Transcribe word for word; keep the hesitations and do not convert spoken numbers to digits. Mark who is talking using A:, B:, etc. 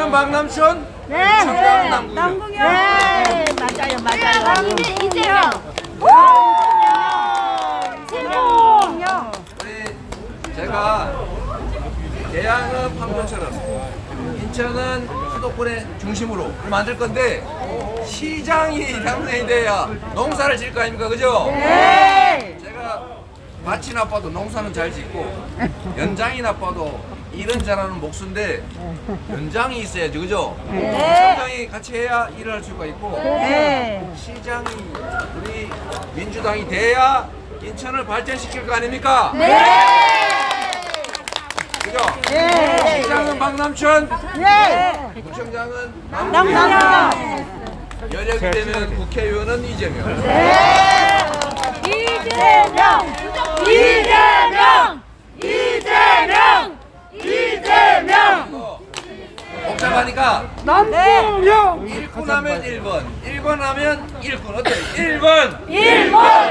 A: 시장은 박남춘,
B: 네.
A: 청장은 남궁영.
B: 남궁영. 네, 맞아요, 맞아요.
C: 이재명.
B: 최고.
A: 우리 제가 계양은 판교처럼 인천은 수도권의 중심으로 만들 건데 시장이 당선이 돼야 농사를 질 거 아닙니까, 그죠?
B: 네.
A: 제가 밭이 나빠도 농사는 잘 짓고 연장이 나빠도 일은 잘하는 목수인데 연장이 있어야지, 그죠?
B: 네.
A: 시장이 같이 해야 일을 할 수가 있고
B: 네.
A: 시장이 우리 민주당이 돼야 인천을 발전시킬 거 아닙니까?
B: 네.
A: 그죠?
B: 네.
A: 시장은 박남춘,
B: 네.
A: 구청장은
B: 남궁영.
A: 남궁영, 여력이 되면 국회의원은 이재명.
B: 이재명. 이재명. 이재명. 이재명.
A: 복잡하니까
B: 남궁영.
A: 일 군 하면 일 번, 일 번 하면 일 군 어때? 일 번!
B: 일 번.